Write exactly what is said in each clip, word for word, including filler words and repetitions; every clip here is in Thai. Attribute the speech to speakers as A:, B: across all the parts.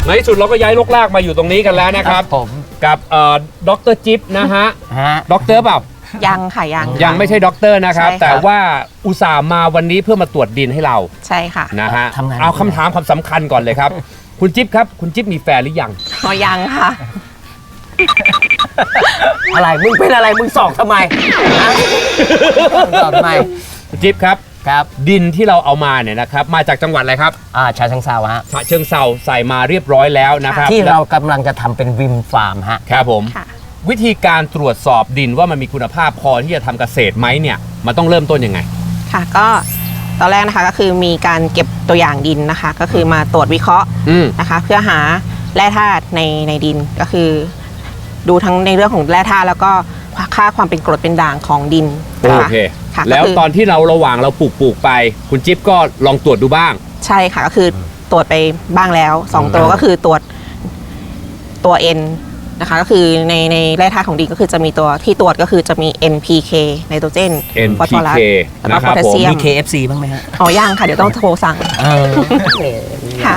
A: ในที่สุดเราก็ย้ายลกลากมาอยู่ตรงนี้กันแล้วนะครับผมกับเอ่อดรจิ๊บนะฮะด็อกเตอร์เปล่า
B: ยังค่ะยัง
A: ยังไม่ใช่ด็อกเตอร์นะครับแต่ว่าอุตส่าห์มาวันนี้เพื่อมาตรวจดินให้เรา
B: ใช่ค่ะ
A: นะฮะเอาคำถามความสำคัญก่อนเลยครับคุณจิ๊บครับคุณจิ๊บมีแฟนหรือยัง
B: อ๋อยังค่ะ
C: อะไรมึงเป็นอะไรมึงสอกทำไมสอกทำไม
A: คุณจิ๊บครับ
C: ครับ
A: ดินที่เราเอามาเนี่ยนะครับมาจากจังหวัดอะไรครับ
C: อ่าฉะเชิงเทราฮะ
A: ฉะเชิงเทราใส่มาเรียบร้อยแล้วนะครับ
C: ที่เรากำลังจะทำเป็นวิมฟาร์มฮะ
A: ครับผมวิธีการตรวจสอบดินว่ามันมีคุณภาพพอที่จะทำเกษตรไหมเนี่ยมันต้องเริ่มต้นยังไง
B: ค่ะก็ตอนแรกนะคะก็คือมีการเก็บตัวอย่างดินนะคะก็คือมาตรวจวิเคราะห์นะคะเพื่อหาแร่ธาตุในในดินก็คือดูทั้งในเรื่องของแร่ธาตุแล้วก็ค่าความเป็นกรดเป็นด่างของดิน
A: โอเคแล้วตอนที่เราระหว่างเราปลูกปลูกไปคุณจิ๊บก็ลองตรวจดูบ้าง
B: ใช่ค่ะก็คือตรวจไปบ้างแล้วสองตัวก็คือตรวจตัว N นะคะก็คือในในแร่ธาตุของดินก็คือจะมีตัวที่ตรวจก็คือจะมี เอ็น พี เค ไนโตรเจน
A: ฟอสฟอรัส
B: แล้วก็โพแทสเซียม
C: มี เค เอฟ ซี บ้างไหมฮะ
B: อ๋อยังค่ะเดี๋ยวต้องโทรสั่ง
C: ค่ะ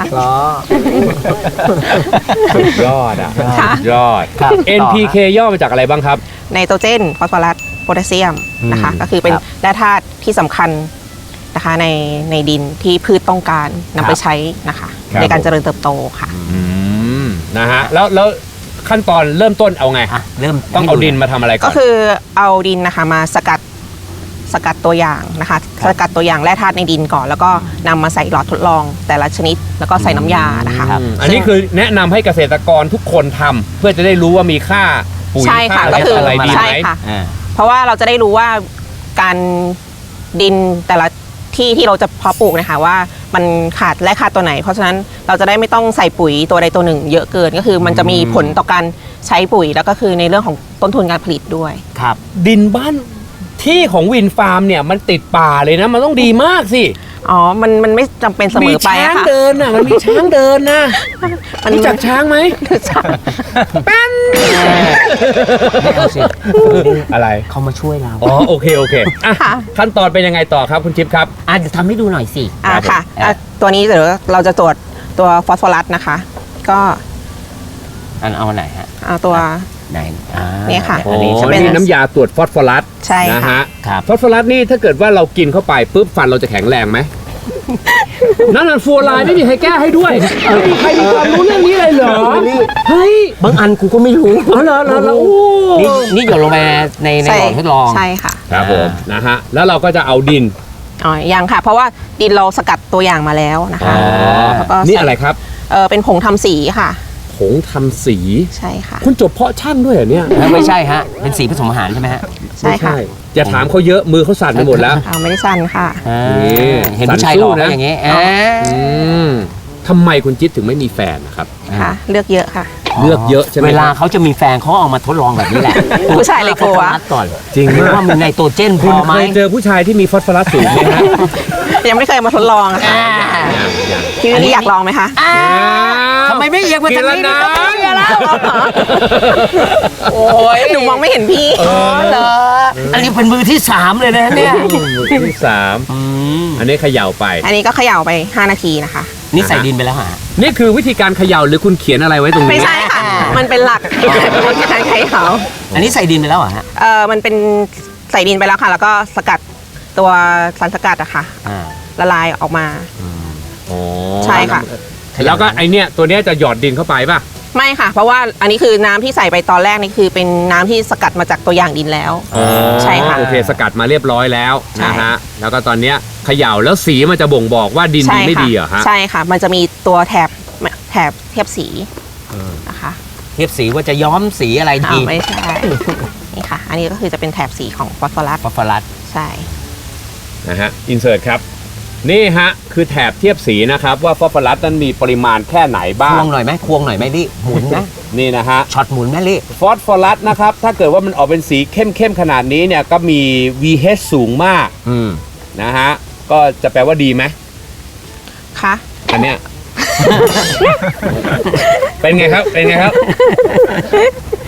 A: สุดยอดอ่ะสุดยอด เอ็น พี เค ย่อมาจากอะไรบ้างครับ
B: ไนโตรเจนฟอสฟอรัสโพแทสเซียมนะคะก็คือเป็นแร่ธาตุที่สำคัญนะคะในในดินที่พืชต้องการนำไปใช้นะคะในการเจริญเติบโตค่ะ
A: นะฮะแล้วแล้วขั้นตอนเริ่มต้นเอาไงเริ่มต้องเอาดินมาทำอะไรก่อน
B: ก็คือเอาดินนะคะมาสกัดสกัดตัวอย่างนะคะสกัดตัวอย่างแร่ธาตุในดินก่อนแล้วก็นำมาใส่หลอดทดลองแต่ละชนิดแล้วก็ใส่น้ำยานะคะ
A: อันนี้คือแนะนำให้เกษตรกรทุกคนทำเพื่อจะได้รู้ว่ามีค่าปุ๋ยค่าอะไรดีไหม
B: เพราะว่าเราจะได้รู้ว่าการดินแต่ละที่ที่เราจะเพาะปลูกนะคะว่ามันขาดและขาดตัวไหนเพราะฉะนั้นเราจะได้ไม่ต้องใส่ปุ๋ยตัวใดตัวหนึ่งเยอะเกินก็คือมันจะมีผลต่อการใช้ปุ๋ยแล้วก็คือในเรื่องของต้นทุนการผลิตด้วย
A: ครับดินบ้านที่ของวินฟาร์มเนี่ยมันติดป่าเลยนะมันต้องดีมากสิ
B: อ๋อมันมันไม่จำเป็นเสมอไป
A: ค่ะมีช้างเดินน่ะมันมีช้างเดินนะมันรู้จักช้างไหมแป้นอะไร
C: เขามาช่วยเรา
A: อ๋อโอเคโอเคขั้นตอนเป็นยังไงต่อครับคุณจิ๊บครับ
C: อ่ะเดี๋ยวทำให้ดูหน่อยสิ
B: อ่าค่ะตัวนี้เดี๋ยวเราจะตรวจตัวฟอสฟอรัสนะคะก็
C: อันเอาไหนฮะ
B: เอาตัว
C: ไหน
B: นี่ค่ะ
A: อันนี้จะเป็นน้ำยาตรวจฟอสฟอรัส
B: ใช่
A: นะฮะฟอสฟอรัสนี่ถ้าเกิดว่าเรากินเข้าไปปุ๊บฟันเราจะแข็งแรงไหมนั่นน่ะฟัวลายไม่มีใครแก้ให้ด้วยไม่มีใครมีความรู้เรื่องนี้เลยเหรอเฮ้ย
C: บางอันกูก็ไม่รู้
A: อ๋อเหรอเหรอโอ้
C: นี่นี่หยดลงไปในในหลอดทดลอง
B: ใช่ค่ะ
A: ครับผมนะฮะแล้วเราก็จะเอาดิน
B: อ๋อยังค่ะเพราะว่าดินเราสกัดตัวอย่างมาแล้วนะคะ
A: แล้วก็นี่อะไรครับ
B: เออเป็นผงทำสีค่ะ
A: ผงทำสี
B: ใช่ค่ะ
A: คุณจบเพาะช่างด้วยเหรอเนี่ย
C: ไม่ใช่ฮะเป็นสีผสมอาหารใช่ไหมฮะ
B: ใช่ค่ะ
A: อย่าถามเขาเยอะมือเขาสั่นไปหมดแล้ว
B: อ้าวไม่ได้สั่นค่ะ
C: เห็นผู้ชายหล่อนะอย่างเงี้ย
A: ทำไมคุณจิ๊บถึงไม่มีแฟนนะครับ
B: ค่ะเลือกเยอะค่ะ
A: เลือกเยอะใช่ไหม
C: เวลาเขาจะมีแฟนเขาเอามาทดลองแบบนี้แหละ
B: ผู้ชายเลยกลัว
C: ก่อน
A: จริง
C: ว่ามันในตัวเจนพอไหม
A: เคยเจอผู้ชายที่มีฟอสฟอรัสสูงไหมฮะ
B: ยังไม่เคยมาทดลองค่ะพี่วิลลี่อยากลองไหมคะ
C: ทำไมไม่เอียงมาทางนี้นะ
B: โอ้ยหนูมองไม่เห็นพี่
C: เหรออันนี้เป็นมือที่สามเลยนะเนี่ย
A: มือที่สามอันนี้เขย่าไป
B: อันนี้ก็เขย่าไปห้านาทีนะคะ
C: นี่ใส่ดินไปแล้วฮะ
A: นี่คือวิธีการเขย่าหรือคุณเขียนอะไรไว้ตรงนี้
B: ไม่ใช่ค่ะมันเป็นหลักวิธีการเขย่า
C: อันนี้ใส่ดินไปแล้วเหรอฮะ
B: เออมันเป็นใส่ดินไปแล้วค่ะแล้วก็สกัดตัวสารสกัดอะค่ะละลายออกมาใช่ค่ะ
A: แล้วก็ไอเนี้ยตัวเนี้ยจะหยอดดินเข้าไปป่ะ
B: ไม่ค่ะเพราะว่าอันนี้คือน้ำที่ใส่ไปตอนแรกนี่คือเป็นน้ำที่สกัดมาจากตัวอย่างดินแล้วใช่ค่ะ
A: โอเคสกัดมาเรียบร้อยแล้วนะฮะแล้วก็ตอนเนี้ยเขย่าแล้วสีมันจะบ่งบอกว่าดินดีไม่ดีเหรอฮะ
B: ใช่ค่ะมันจะมีตัวแถบแถบเทียบสีนะคะ
C: เทียบสีว่าจะย้อมสีอะไรดี
B: ไม่ใช่นี่ค่ะอันนี้ก็คือจะเป็นแถบสีของฟอสฟอรัส
C: ฟอสฟอรัส
B: ใช่
A: นะฮะอินเสิร์ตครับนี่ฮะคือแถบเทียบสีนะครับว่าฟอสฟอรัสนั้นมีปริมาณแค่ไหนบ้าง
C: ควงหน่อยไหมควงหน่อยไหมลี่หมุนนะ
A: นี่นะฮะ
C: ช็อตหมุนไหมลี่
A: ฟอสฟอรัสนะครับถ้าเกิดว่ามันออกเป็นสีเข้มๆขนาดนี้เนี่ยก็มี วี เอช สูงมากนะฮะก็จะแปลว่าดีไหม
B: คะ
A: อันเนี้ย เป็นไงครับเป็นไงครับ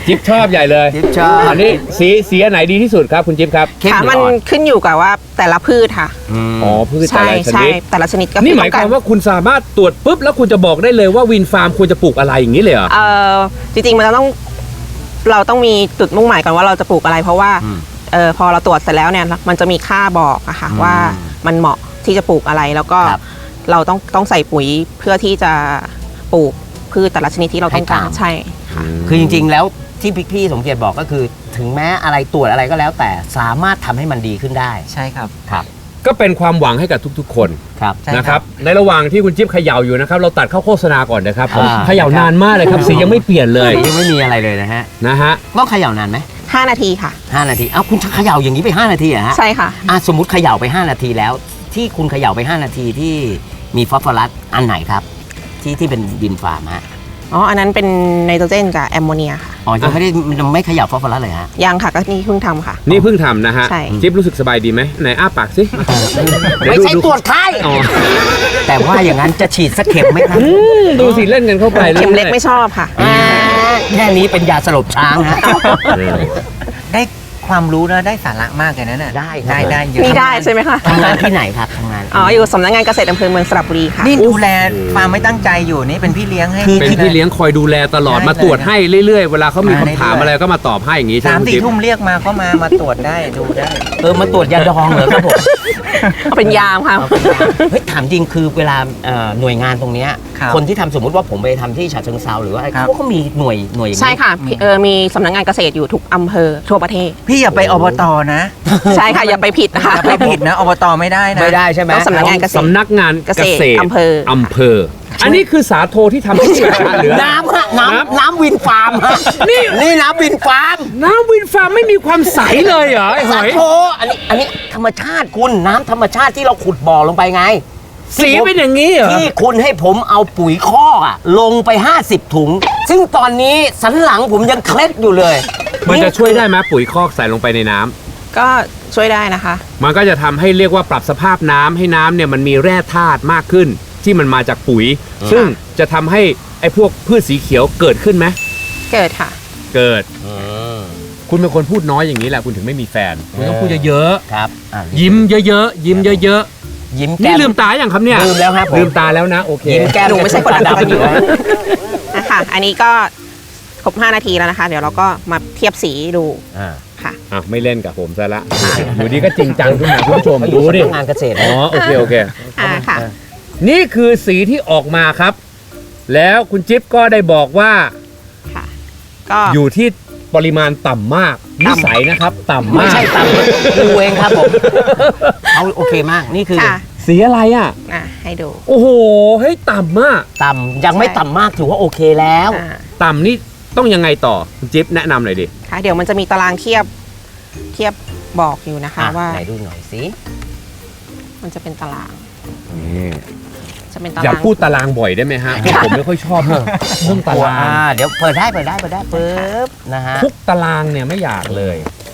A: จิ๊บชอบใหญ่เลย
C: จิ๊บชอบ
A: อันนี้สีสีอันไหนดีที่สุดครับคุณจิ๊บครับ
B: ค่ะมันขึ้นอยู่กับว่าแต่ละพืชค่ะ
A: อ๋อพืชแต่
B: ใช่
A: ละช
B: ใช่
A: นิด
B: แต่ละชนิดก็
A: นี่
B: คือ
A: หมาย
B: ต้อง
A: ค
B: กาว
A: าร มว่าคุณสามารถตรวจปุ๊บแล้วคุณจะบอกได้เลยว่าวินฟาร์มควรจะปลูกอะไรอย่างนี้เลยเหรอ
B: เอ่อจริงๆมันจะต้องเราต้องมีจุดมุ่งหมายก่อนว่าเราจะปลูกอะไร เพราะว่าเออพอเราตรวจเสร็จแล้วเนี่ยมันจะมีค่าบอกอะค่ะว่ามันเหมาะที่จะปลูกอะไรแล้วก็
C: ครับ
B: เราต้องต้องใส่ปุ๋ยเพื่อที่จะปลูกพืชแต่ละชนิดที่เราต้องการ
C: ให้ตาม
B: ใช่ค่ะ
C: คือจริงๆแล้วที่พี่พี่สมเกียรติบอกก็คือ ถึงแม้อะไรตรวจอะไรก็แล้ว แต่สามารถทำให้มันดีขึ้นได้
D: ใช่ครับ
C: ครับ
A: ก็เป็นความหวังให้กับทุกๆ คน
C: ครับ
D: ใช่ครับ
A: นะครับในระหว่างที่คุณจิ๊บเขย่าอยู่นะครับเราตัดเข้าโฆษณาก่อนนะครับผม
C: อ่า
A: เขย่านานมากเลยครับสียังไม่เปลี่ยนเลย
C: ยังไม่มีอะไรเลยนะฮะ
A: นะฮะ
C: ต้องเขย่านานไหม
B: ห้านาทีค่ะ
C: ห้านาทีเอ้าคุณเขย่าอย่างนี้ไปห้านาทีเหรอฮะ
B: ใช่ค่ะ
C: อ่ะสมมุติเขย่าไปห้านาทีแล้ว ที่คุณเขย่าไปห้านาทีที่มีฟอสฟอรัสอันไหนครับ ที่ที่เป็นดินฟาร์มฮะ
B: อ๋ออันนั้นเป็นไนโตรเจนกับแอมโมเนียค่ะ
C: อ๋อยังไม่ได้ยังไม่เขย่าฟอสฟอรัสเลยฮะ
B: ยังค่ะก็นี่เพิ่งทำค่ะ
A: นี่เพิ่งทำนะฮะ
B: ใช่
A: จิ๊บรู้สึกสบายดีไหมไหนอ้าปากสิ
C: ไม่ใช่ตรวจไข้
A: อ๋อ
C: แต่ว่าอย่างนั้นจะฉีดสักเข็มไหมครับ
A: อืมดูสิเล่นกันเข้าไป
B: เข็มเล็ก
A: รื่อยๆ
B: ไม่ชอบค่ะ
C: อ่าแค่นี้เป็นยาสลบช้างฮะ
A: เออ
D: ได้ความรู้แล้วได้สาระมากเลยนะเนี่ย
C: ได้ครับ
D: ได้ได้เยอะ
B: นี่ได้ใช่ไหมคะ
C: ทำงานที่ไหนครับทำงาน
B: อ๋ออยู่สำนักงานเกษตรอำเภอเมืองสระบุรีค่ะ
D: นี่ดูแลฟาร์มไม่ตั้งใจอยู่นี่เป็นพี่เลี้ยงให้
A: เป็นพี่เลี้ยงคอยดูแลตลอด
D: ใช่
A: มาตรวจ
D: เลย
A: ให้เรื่อยๆ เวลาเขามี
D: มา
A: คำถาม
D: เรื่อยๆ
A: อะไรก็มาตอบให้อย่างนี้ใช่ไห
D: สาม
A: มคุณ
D: สี่
A: จิ๊บ
D: ทุ่มเรียกมาก็มามาตรวจได้ดูได้
C: เออมาตรวจยาดองเหรอครับผม
B: เอาเป็นยามค่ะ
C: เฮ้ยถามจริงคือเวลาเอ่อหน่วยงานตรงเนี้ย
D: ครับ
C: คนที่ทำสมมุติว่าผมไปทำที่ฉะเชิงเซาหรือว่าอะไร
D: ครับ
C: เขาก็มีหน่วยหน่วยอย่างนี้
B: ใช่ค่ะเออมีสำนักงานเกษตรอยู่ทุกอำเภอทั่วประเทศ
D: พี่อย่าไปอบตนะ
B: ใช่ค่ะอย่าไปผิดนะคะ
D: อย่าไปผิดนะอบตไม่ได้นะ
C: ไม่ได้ใช่ไหม
B: ต้องสำนักงานเกษตร
A: สำนักงานเกษตร
B: เกษตรอำเภอ
A: อำเภอ อันนี้คือสาโทที่ทำให้เกิดการเหลือ
C: น้ำฮะน้ำน้ำวินฟาร์มฮะ
A: นี่
C: นี่น้ำวินฟาร์ม
A: น้ำวินฟาร์มไม่มีความใสเลยเหรอไอ้ห
C: สา
A: อย
C: โทอันนี้อันนี้ธรรมชาติคุณน้ำธรรมชาติที่เราขุดบ่อลงไปไง
A: สีเป็นอย่างนี้เหรอ
C: ที่คุณให้ผมเอาปุ๋ยคอกอะลงไปห้าสิบถุง ซึ่งตอนนี้สันหลังผมยังเคล็ดอยู่เลย
A: มันจะช่วยได้ไหมปุ๋ยคอกใส่ลงไปในน้ำ
B: ก็ช่วยได้นะคะ
A: มันก็จะทำให้เรียกว่าปรับสภาพน้ำให้น้ำเนี่ยมันมีแร่ธาตุมากขึ้น ที่มันมาจากปุ๋ย ซึ่งจะทำให้ไอ้พวกพืชสีเขียวเกิดขึ้นไหม
B: เกิดค่ะ
A: เกิด คุณเป็นคนพูดน้อยอย่างนี้แหละคุณถึงไม่มีแฟนคุณต้องพูดเยอะ
C: ครับอ่ะ
A: ๆยิ้มเยอะๆยิ้มเยอะ
C: ยิ้ม
A: ๆ
C: แก้
A: นี่
C: ม
A: ลืมตาอย่างครับเนี่ย
C: ลืมแล้วครับผม
A: ลืมตาแล้วนะโอเค
C: ยิ้มแก้ม
B: หนูไม่ใช่คน
C: ตาดำอยู่นะ
B: นะคะอันนี้ก็ครบห้านาทีแล้วนะคะ เดี๋ยวเราก็มาเทียบสีดู
C: อ่า
B: ค่ะ
A: อ่ะไม่เล่นกับผมซะละอยู่ดีก็จริงจังขึ้นมาคุณผู้ชมดูดิ
C: ทำงานเกษตร
A: อ๋อโอเคโอเค
B: อ่าค่ะ
A: นี่คือสีที่ออกมาครับ แล้วคุณจิ๊บก็ได้บอกว่า
B: ค่ะ ก็
A: อยู่ที่ปริมาณต่ำมากนิสัยนะครับ ต่ำ
C: ไม่
A: มาก
C: ใช่ตามดูเองครับผมเอาโอเคมากนี่คือ
B: ค่ะ
A: สีอะไรอ่ะ
B: อ่ะให้ดู
A: โอ้โหเฮ้ยต่ำมาก
C: ต่ำยังไม่
B: ใช่
C: ต่ำมากถือว่าโอเคแล้ว
B: อ่า
A: ต่ำนี่ต้องยังไงต่อคุณจิ๊บแนะนำหน่อยดิ
B: ค่ะเดี๋ยวมันจะมีตารางเทียบเทียบบอกอยู่นะคะ
C: อ่ะ
B: ว่า
C: ไหนดูหน่อยสิ
B: มันจะเป็นตาราง
A: นี่
B: จะเป็นตา
A: อย่าร
B: าง
A: พูดตารางบ่อยได้ไหมฮะเพราะผมไม่ค่อยชอบเรื่องตาราง
C: อ่าเดี๋ยวเปิดได้เปิดได้เปิดได้ปึ๊บนะฮะ
A: ทุกตารางเนี่ยไม่อยากเลย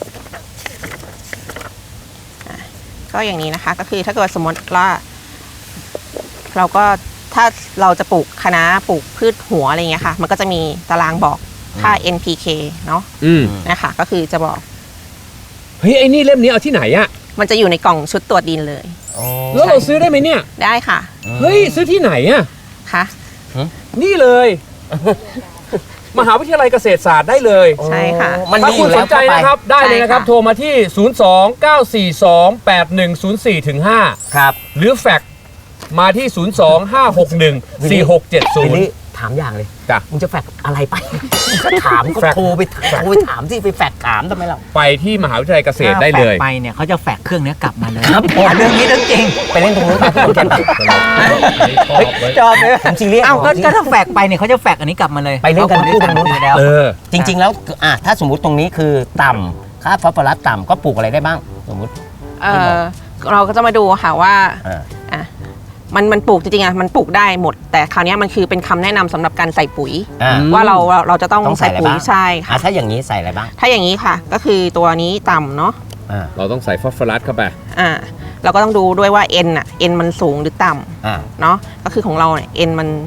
B: ก็อย่างนี้นะคะ ก็คือถ้าเกิดสมมติว่า เราก็ถ้าเราจะปลูกคะน้าปลูกพืชหัวอะไรเงี้ยค่ะ มันก็จะมีตารางบอกค่า เอ็น พี เค เนาะ
A: อืม
B: นะคะ ก็คือจะบอก
A: เฮ้ยไอ้นี่เล่มนี้เอาที่ไหนอะ
B: มันจะอยู่ในกล่องชุดตรวจดินเลย
A: แล้วเราซื้อได้ไหมเนี่ย
B: ได้ค่ะ
A: เฮ้ยซื้อที่ไหนอะ
B: ค่ะ
A: นี่เลย มหาวิทยาลัยเกษตรศาสตร์ได้เลย
B: ใช่ค่ะ
C: มัน
A: ถ้า
C: มีอ
A: คุณ
C: ยู่
A: ส
C: แล้
A: น
C: ว
A: ใจ
C: เข้าไป
A: นะครับได้เลยนะครับ
B: ใช่ค่ะ
A: โทรมาที่ ศูนย์ สอง เก้า สี่ สอง แปด หนึ่ง ศูนย์ สี่ ถึง ห้า
C: ครับ
A: หรือแฟกซ์มาที่ ศูนย์ สอง ห้า หก หนึ่ง สี่ หก เจ็ด ศู
C: วิล
A: นย์
C: ลี่ถามอย่างเลย
A: จ้ะ
C: มึงจะแฟกอะไรไป ก็ถามก็
A: แฟก
C: โทรไปโทรไปถามที่ไปแฟกถามทำไมเรา
A: ไปที่มหาวิทยาลัยเกษตรได้เลย
D: ถ้าแฟกไปเนี่ยเขาจะแฟกเครื่องเนี้ยกลับมาเลย
C: ครับผม
D: เรื่องนี้เรื่องจริง
C: ไปเล่นตรงนู้นไปผมแค่ไป
D: จอบเลย
C: ผมซีเรียส
D: เอ้าก็
C: ผมซี
D: ก็
C: เรียส
D: ถ้าแฟกไปเนี่ยเขาจะแฟกอันนี้กลับมาเลย
C: ไปเล่นกัน
D: พราะ
C: คู่ตรงนู้น
D: ได้แล้ว
A: เออ
C: จริง ๆ แล้วอ่ะถ้าสมมุติตรงนี้คือต่ำค่าฟอสฟอรัสต่ำก็ปลูกอะไรได้บ้าง สมมุติ
B: เออเราก็จะมาดูค่ะว่า
C: อ่า
B: อ่ะมันมันปลูกจริงๆอ่ะมันปลูกได้หมด แต่คราวนี้มันคือเป็นคำแนะนำสำหรับการใส่ปุ๋ย
C: อ่า
A: อืม
B: ว่าเราเราเราจะต้อง
C: ต้องใส่
B: ใส่
C: อะไร
B: ปุ๋ย
C: บ้าง
B: ใช่
C: อ่ะ
B: ค่ะ
C: ถ้าอย่างนี้ใส่อะไรบ้าง
B: ถ้าอย่างนี้ค่ะ ก็คือตัวนี้ต่ำเนาะ
C: อ่า
A: เราต้องใส่ฟอสฟอรัสเข้าไป
B: อ่าเราก็ต้องดูด้วยว่า N อ่ะ N มันสูงหรือต่ำ
C: อ่า
B: เนาะก็คือของเราเนี่ย N มัน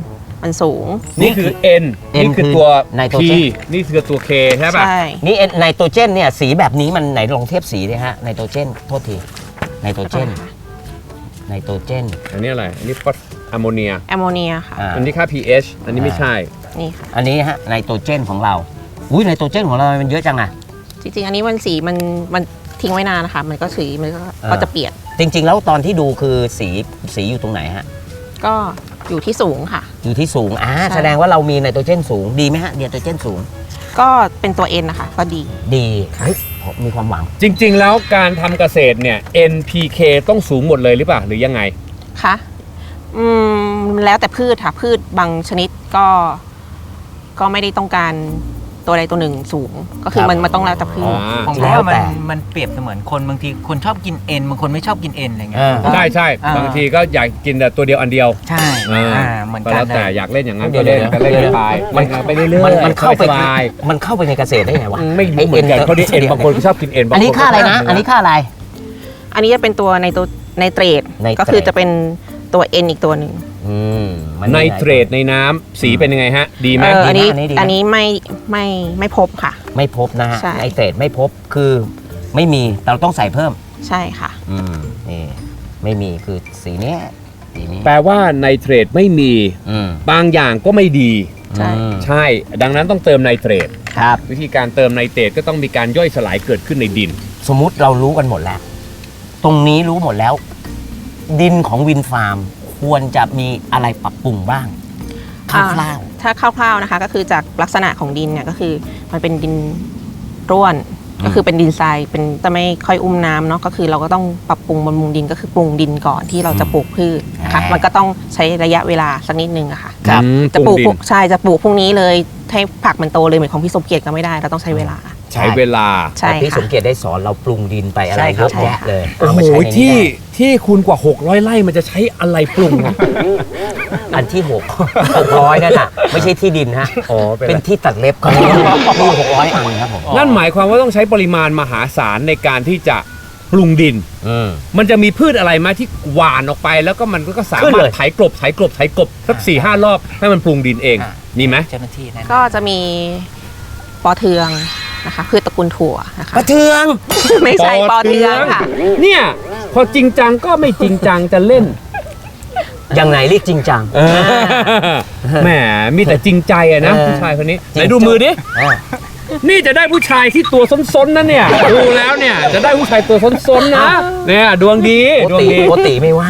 B: มันสูง
A: นี่คือ N นี่คือตัว
C: ไนโตร
A: P
C: เจน
A: นี่คือตัว K ใช่ป่ะ
B: ใช่
C: นี่ไนโตรเจนเนี่ยสีแบบนี้มันไหนลองเทียบสีดิฮะไนโตรเจนโทษทีไนโตรเจนไนโตรเจน
A: อันนี้อะไร อันนี้ฟอสอะโมเนีย
B: แอมโมเนียค่ะ
C: อ่า
A: อันนี้ค่า pH อันนี้ไม่ใช่
B: นี่ค่ะ
C: อันนี้ฮะไนโตรเจนของเราอุ้ยไนโตรเจนของเรามันเยอะจังอะ
B: จริงๆ อันนี้มันสีมันมันทิ้งไว้นานนะคะ มันก็สีมันก็
C: อ่า
B: ก็จะเปลี่ยน
C: จริงๆ แล้วตอนที่ดูคือสีสีอยู่ตรงไหนฮะ
B: ก็อยู่ที่สูงค่ะ
C: อยู่ที่สูงอ่า
B: ใช่
C: แสดงว่าเรามีไนโตรเจนสูงดีไหมฮะไนโตรเจนสูง
B: ก็เป็นตัว N นะคะ ก็ดี
C: ดีเฮ้ยผมมีความหวัง
A: จริง ๆ แล้วการทำเกษตรเนี่ย N P K ต้องสูงหมดเลยหรือเปล่า หรือยังไง
B: คะอืมแล้วแต่พืชค่ะ พืชบางชนิดก็ ก็ไม่ได้ต้องการตัวใดตัวหนึ่งสูง ก็คือ
C: ครับ
B: มันมันต้องแล้วแต่พืช
A: อ่า
D: ผม
C: แล้
D: ว่าว มั
C: แต่
D: นมันเปรียบเสมือนคนบางทีคนชอบกินเอ็นบางคนไม่ชอบกินเอ็นอะไรเงี้ย
C: อ่า
A: ใช่ใช่
D: อ่า
A: บางทีก็อยากกินแต่ตัวเดียวอันเดียว
D: ใช่
A: อ่า
D: อ่าเหมือน
A: ก็
D: กั
A: แล้
D: น
A: ว
D: เล
A: แต่
D: ย
A: อยากเล่นอย่างนั้น
C: เดี๋
A: ก็
C: ยว
A: เล่น
C: เดี๋ยว
A: กันเล่น
C: เดี๋ยว
A: ไป
C: มัน
A: ไปเรื่อยๆ
C: มันมันเข้าไป
A: สบาย
C: มันเข้าไปในเกษตรได้ไงวะ
A: ๆไม่รู้เหมือนกันเขาดิเอ็นบางคนก็ชอบกินเอ็นบางคน
C: อันนี้ค่าอะไรนะ อันนี้ค่าอะไร
B: อันนี้จะเป็นตัวในตัวไนเตรต
C: ไนเตรต
B: ก็คือจะเป็นตัว N อีกตัวหนึ่ง
C: อืมมั
A: ไนเตรตในน้ำสีเป็นยังไงฮะ ดีไหม
B: เอออันนี้
C: ดีนะอันนี้ดีนะ
B: อันนี้ไม่ไม่ไม่พบค่ะ
C: ไม่พบนะฮะ
B: ใช่
C: ไนเตรตไม่พบคือไม่มีเราต้องใส่เพิ่ม
B: ใช่ค่ะ
C: อืมนี่ไม่มีคือสีเนี้ยสีนี้
A: แปลว่าไนเตรตไม่มี
C: อืม
A: บางอย่างก็ไม่ดี
B: ใช่
C: อืม
A: ใช่ ดังนั้นต้องเติมไนเตรต
C: ครับ
A: วิธีการเติมไนเตรตก็ต้องมีการย่อยสลายเกิดขึ้นในดิน
C: สมมุติเรารู้กันหมดแล้ว ตรงนี้รู้หมดแล้ว ดินของวินฟาร์มควรจะมีอะไรปรับปรุงบ้างค
B: อ่า
C: ร่าว
B: ถ้าคร่าวๆนะคะ ก็คือจากลักษณะของดินเนี่ยก็คือมันเป็นดินร่วน ก็คือเป็นดินทรายเป็นจะไม่ค่อยอุ้มน้ำเนาะก็คือเราก็ต้องปรับปรุงบำรุงดินก็คือปรุงดินก่อนที่เราจะปลูกพืชนะคะมันก็ต้องใช้ระยะเวลาสักนิดนึงอะค่ะ
C: ๆครับ
A: อืม
B: จะปลูก
A: ปรุงดิน
B: ใช่จะปลูกพรุ่งนี้เลยให้ผักมันโตเลยเหมือนของพี่สมเกียรติก็ไม่ได้เราต้องใช้เวลา
A: ใช้เวลา
B: ใช่
C: แต่พี่ส
B: ค่ะ
C: มเกียรติได้สอนเราปรุงดินไปอะไร
D: ใช่ค
C: เย
D: รับ
C: อะแยะเลย
A: โอ้
C: เอา
A: โห
C: มาใช้ในนี้
A: ที่
C: ได้
A: ที่คุณกว่า หกร้อยไร่มันจะใช้อะไรปรุงอะ
C: อันที่หกหกร้อยนั่นน่ะไม่ใช่ที่ดินฮะ
A: อ๋อเป็น
C: เป็นที่ตัดเล็บครับมีหกร้อยอันครับผม
A: นั่นหมายความว่าต้องใช้ปริมาณมหาศาลในการที่จะปรุงดิน
C: อืม
A: มันจะมีพืชอะไรไหมาที่หว่านออกไป แล้วก็มันก็สา
C: ขึ้น
A: มาร
C: เล
A: ถ
C: ย
A: ไถกลบไถกลบไถกลบสักสี่ห้ารอบให้มันปรุงดินเอง
D: อ่ะ
A: มีไหม
D: เจ้าหน้าที่แนะนำ
B: ก็จะมีปอเทืองนะคะพืชตระกูลถั่วนะคะ
C: กระเทือง
B: ไม่ใช่ปอเทืองค่ะ
A: เนี่ยพอจริงจังก็ไม่จริงจังจะเล่น
C: ยังไงเรียกจริงจัง
A: แหมมีแต่จริงใจอะนะ
C: เออ
A: ผู้ชายคนนี้
C: จริ
A: ไหน
C: ง
A: ดูมือดิ
C: อ่ะ
A: นี่จะได้ผู้ชายที่ตัวซ้นๆนะเนี่ยดูแล้วเนี่ยจะได้ผู้ชายตัวซ้นๆนะเนี่ยดวงดี
C: โก
A: ดวง
C: ติ
A: ดี
C: โกติไม่ว่าง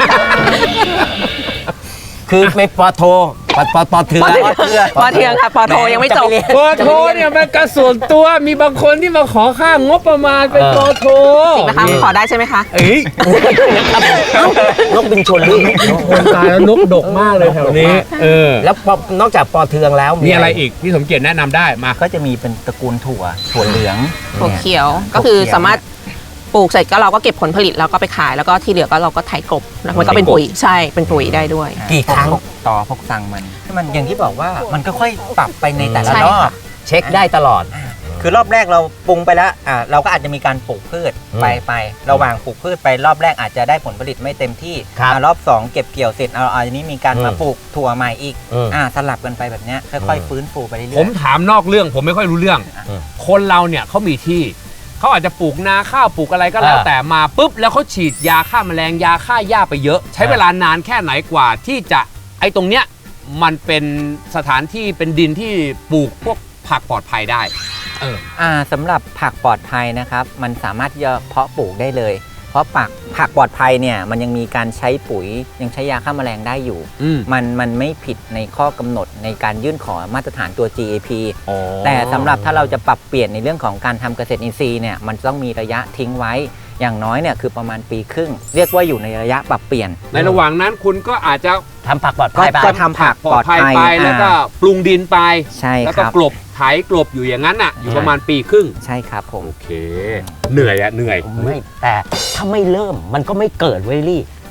C: คือไม่ปอโทปอปอปอเทือ
B: ปอเทืองปอเทืองค่ะปอโทยังไม่จบ
A: ปอโทเนี่ยมันกระส่วนตัวมีบางคนที่มาขอค่างบประมาณเป็นปอโท
B: จริงนะคะขอได้ใช่ไหมคะ
A: เอ้ย
C: นกบินชนลูก
A: คนตายแล้วนกดกมากเลยแถวนี้เออ
C: แล้วปอนอกจากปอเทืองแล้ว
A: มีอะไรอีกที่สมเกียรติแนะนำได้มา
D: ก็จะมีเป็นตระกูลถั่วถั่วเหลือง
B: ถั่วเขียวก็คือสามารถปลูกเสร็จก็เราก็เก็บผลผลิตแล้วก็ไปขายแล้วก็ที่เหลือก็เราก็ไถกลบแล้วมันก็เป็นปุ๋ยใช่เป็นปุ๋ยได้ด้วย
C: กี่ครั้ง
D: พวต่อพวกสั่งมันมันอย่างที่บอกว่ามันก็ค่อยปรับไปในแต่ละ
B: ใช่
D: รอบ
B: ค่ะ
C: เช็คได้ตลอด
D: คือรอบแรกเราปรุงไปแล้วอ่าเราก็อาจจะมีการปลูกพืช
C: อืม
D: ไปไประหว่างปลูกพืชไปรอบแรกอาจจะได้ผลผลิตไม่เต็มที่
C: ครับ
D: อ่ารอบสองเก็บเกี่ยวเสร็จเอาอันนี้มีการ
C: อืม
D: มาปลูกถั่วใหม่อีก
C: อืม
D: อ่าสลับกันไปแบบเนี้ยค่อย
C: อืม
D: ๆฟื้นฟูไปเรื่อยๆ
A: ผมถามนอกเรื่องผมไม่ค่อยรู้เรื่อง
C: อืม
A: คนเราเนี่ยเขามีที่เขาอาจจะปลูกนาข้าวปลูกอะไรก็แล้ว
C: อ่า
A: แต่มาปุ๊บแล้วเขาฉีดยาฆ่าแมลงยาฆ่าหญ้าไปเยอะ ใช้เวลานานแค่ไหนกว่าที่จะไอ้ตรงเนี้ยมันเป็นสถานที่เป็นดินที่ปลูกพวกผักปลอดภัยได้ เออ
D: อ่าสำหรับผักปลอดภัยนะครับ มันสามารถที่จะเพาะปลูกได้เลย เพราะผักผักปลอดภัยเนี่ยมันยังมีการใช้ปุ๋ยยังใช้ยาฆ่าแมลงได้อยู่
A: อืม
D: มันมันไม่ผิดในข้อกำหนดในการยื่นขอมาตรฐานตัว จี เอ พี
A: อ๋อ
D: แต่สำหรับถ้าเราจะปรับเปลี่ยนในเรื่องของการทำเกษตรอินทรีย์เนี่ยมันต้องมีระยะทิ้งไว้อย่างน้อยเนี่ยคือประมาณปีครึ่ง เรียกว่าอยู่ในระยะปรับเปลี่ยน
A: ในระหว่างนั้นคุณก็อาจจะ
C: ทำผักปลอด
D: ก็
C: ภัยไป
D: ก็ทำผัก
A: ปลอดภัย
D: ปลอดภัย
A: ไปแล้วก็
D: อ่า
A: ปรุงดินไป
D: ใช่
A: แล้ว
D: ค
A: ก็
D: รับ
A: กลบไถกลบอยู่อย่างนั้นอ่ะ อยู่ประมาณปีครึ่ง
D: ใช่ครับผม
A: โอเค เหนื่อยอะเหนื่อย
C: ไม่แต่ถ้าไม่เริ่มมันก็ไม่เกิดเว้ยลี่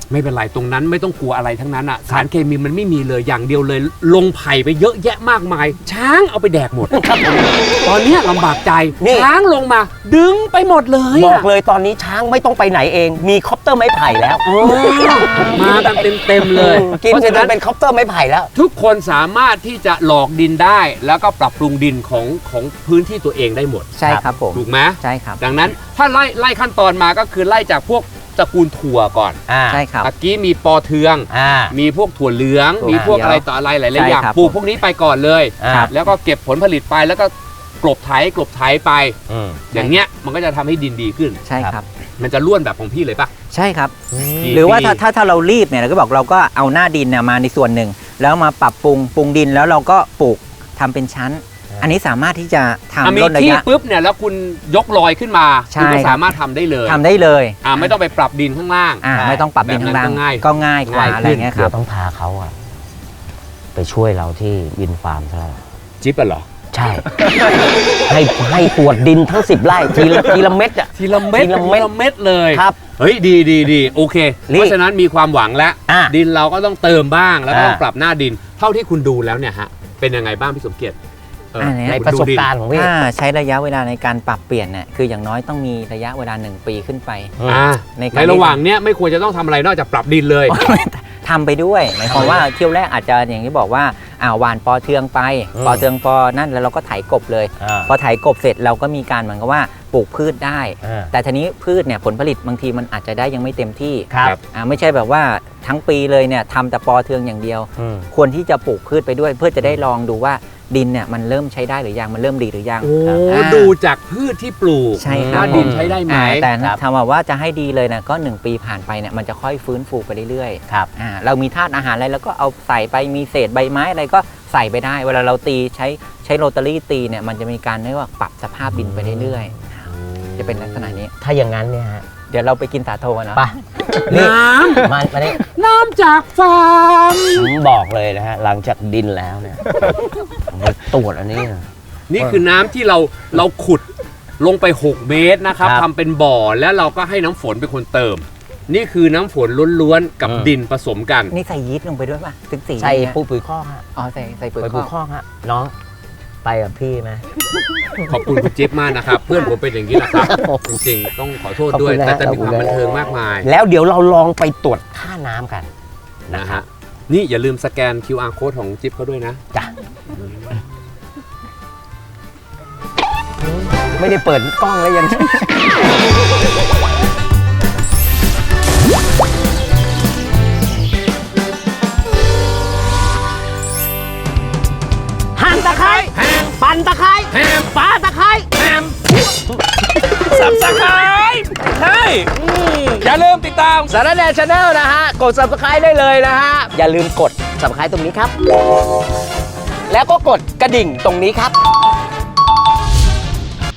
A: ไม่เป็นไรตรงนั้นไม่ต้องกลัวอะไรทั้งนั้นอ่ะสารเคมีมันไม่มีเลยอย่างเดียวเลย ลงไผ่ไปเยอะแยะมากมาย ช้างเอาไปแดกหมดตอนเนี้ยลำบากใจ
C: นี่
A: ช้างลงมาดึงไปหมดเลย
C: บอ
A: อะ
C: กเลยตอนนี้ช้างไม่ต้องไปไหนเอง มีคอปเตอร์ไม้ไผ่แล้ว
A: โอ้มากันเต็มๆเลย
C: กิน
A: เพราะ
C: เสร็จ
A: ฉะ
C: แล้
A: นั้
C: วน เป็นคอปเตอร์ไม้ไผ่แล้ว
A: ทุกคนสามารถที่จะหลอกดินได้ แล้วก็ปรับปรุงดินของของพื้นที่ตัวเองได้หมด
D: ใช่ครับผม
A: ถูกไหม
D: ใช่ครับ
A: ดังนั้นถ้าไล่ไล่ขั้นตอนมาก็คือไล่จากพวกตระกูลถั่วก่อน
C: อ่า
D: ใช่ครับ
A: ตะกี้มีปอเทือง
C: อ่า
A: มีพวกถั่วเหลือง
D: ถั่ว
A: มีพวก
D: เขียว
A: อะไรต่ออะไรหลายๆ
D: ใช่
A: อย่าง
D: ครับ
A: ปลูกพวกนี้ไปก่อนเลย
C: ครับ
A: แล้วก็เก็บผลผลิตไปแล้วก็กลบไถกลบไถไป
C: อืม
A: อย่างเงี้ยมันก็จะทำให้ดินดีขึ้น
D: ใช่ครับ
A: มันจะล้วนแบบของพี่เลยปะ
D: ใช่ครับ
A: ดี
D: หรือว่า
A: ดี
D: ถ้าถ้าถ้าเรารีบเนี่ยเราก็บอกเราก็เอาหน้าดินเนี่ยมาในส่วนหนึ่ง แล้วมาปรับปรุงปรุงดินแล้วเราก็ปลูกทำเป็นชั้น อันนี้สามารถที่จะ
A: อ่ะ
D: ทำ
A: มี
D: ลดระ
A: ที่
D: ยะ
A: ปุ๊บเนี่ยแล้วคุณยกลอยขึ้นมา
D: ใช่
A: คุณก็
D: ครับ
A: สามารถทำได้เลย
D: ทำได้เลย
A: อ่าไม่ต้องไปปรับดินข้างล่าง
D: อ่าไม่ต้องปรับดินข้างล่าง
A: แบบนั้นก็ง่าย
D: ก็ง่ายกว่า
A: ง่ายขึ้น
D: อะไรเงี้ยค
C: เดี๋
D: รั
C: ย
D: บ
C: วต้องพาเขาอะไปช่วยเราที่วินฟาร์มซะแล้ว
A: จิ๊บอะเหรอ
C: ใช่ ให้ให้ตรวจดินทั้งสิบไร่ทีละทีละเม็ดอะ
A: ทีละเม็ด
C: ทีละเม็ด
A: ทีละเม็ดเลย
C: ครับ
A: เฮ้ยดีดีดีโอเค
C: นี่
A: เพราะฉะนั้นมีความหวังแล้ว
C: อ่ะ
A: ดินเราก็ต้องเติมบ้างแล้วก็ต้อง
C: อ่ะ
A: ปรับหน้าดิน เท่าที่คุณดูแล้วเนี่ยฮะเป็นยังไงบ้างพี่สมเกียรติเออ
D: อันเนี้ย
C: ใน
A: คุณ
C: ประสบ
A: ดูดิน
C: การณ์ของพี่
D: ถ้าใช้ระยะเวลาในการปรับเปลี่ยนเนี่ยคืออย่างน้อยต้องมีระยะเวลาหนึ่งปีขึ้นไป
A: อ่า
D: ในการ
A: ในระหว่างเนี้ยไม่ควรจะต้องทำอะไรนอกจากปรับดินเลย
D: ทำไปด้วยหมายความว่าเที่ยวแรกอาจจะอย่างที่บอกว่าอ่าหวานปอเทืองไป
C: อืม
D: ปอเทืองปอนั่นแล้วเราก็ไถกบเลย
C: อ่า
D: พอไถกบเสร็จเราก็มีการเหมือนกับว่าปลูกพืชได้
C: อ่า
D: แต่ทีนี้พืชเนี่ยผลผลิตบางทีมันอาจจะได้ยังไม่เต็มที่
C: ครับ
D: อ่าไม่ใช่แบบว่าทั้งปีเลยเนี่ยทำแต่ปอเทืองอย่างเดียว
C: อืม
D: ควรที่จะปลูกพืชไปด้วย เพื่อจะได้ลองดูว่าดินเนี่ยมันเริ่มใช้ได้หรือยังมันเริ่มดีหรือยัง
A: โอ้
D: อ่า
A: ดูจากพืชที่ปลูก
D: ใช่ครับ
A: ว่าดินใช้ได้ไหม
D: อ่าแต่
C: ครับ
D: ถามว่าจะให้ดีเลยนะก็หนึ่งปีผ่านไปเนี่ยมันจะค่อยฟื้นฟูไปเรื่อยๆ
C: ครับ
D: อ่าเรามีธาตุอาหารอะไรแล้วก็เอาใส่ไปมีเศษใบไม้อะไรก็ใส่ไปได้ เวลาเราตีใช้ใช้โรตารี่ตีเนี่ยมันจะมีการเรียกว่าปรับสภาพดินไปเรื่อยๆจะเป็นลักษณะนี้
C: ถ้าอย่างนั้นเนี่ยฮะ
D: เดี๋ยวเราไปกินสาโทกันเนาะ
C: ไปนี่
A: น้
C: มามานี่
A: ำน้ำจากฟาร์ม
C: ผมบอกเลยนะฮะ หลังจากดินแล้วเนี่ยผมไปตรวจอันนี้นะ
A: นี่คือน้ำที่เราเราขุดลงไป หก เมตรนะครับ
C: ครับ
A: ทำเป็นบ่อแล้วเราก็ให้น้ำฝนเป็นคนเติม นี่คือน้ำฝนล้วนๆกับ
C: อืม
A: ดินผสมกัน
D: นี่ใส่ยีสต์ลงไปด้วยป่ะถึงสี
C: ใส่
D: เนี่ย
C: ปุ๋ยปุ๋ยข้อกฮะ
D: อ๋อใส่ใส่ปุ๋ย
C: ไป
D: ค
C: ปุ๋
D: อย ก
C: ข้อกฮะ น้อง ไปกับพี่ไหม
A: ขอบคุณคุณจิ๊บมากนะครับ เพื่อนผมเป็นอย่างนี้แหละครับ จริงๆต้องขอโทษด้วย
C: ขอบคุณนะ
A: แต่แต่มี
C: ขอบ
A: ค
C: คุ
A: วาม
C: ณนะ
A: บันเทิงมากมาย
C: แล้วเดี๋ยวเราลองไปตรวจค่าน้ำกัน
A: นะฮะนี่อย่าลืมสแกน คิว อาร์ Code ของจิ๊บเขาด้วยนะ
C: จ้ะ ไม่ได้เปิดกล้องแล้วยัง หั่นตะไคร้ปั่นตะไคร้ปาตะไคร้
A: สับสไครใช่อย่าลืมติดตาม
C: สารแนชาแนลนะฮะ กด subscribe ได้เลยนะฮะ อย่าลืมกด subscribe ตรงนี้ครับ แล้วก็กดกระดิ่งตรงนี้ครับ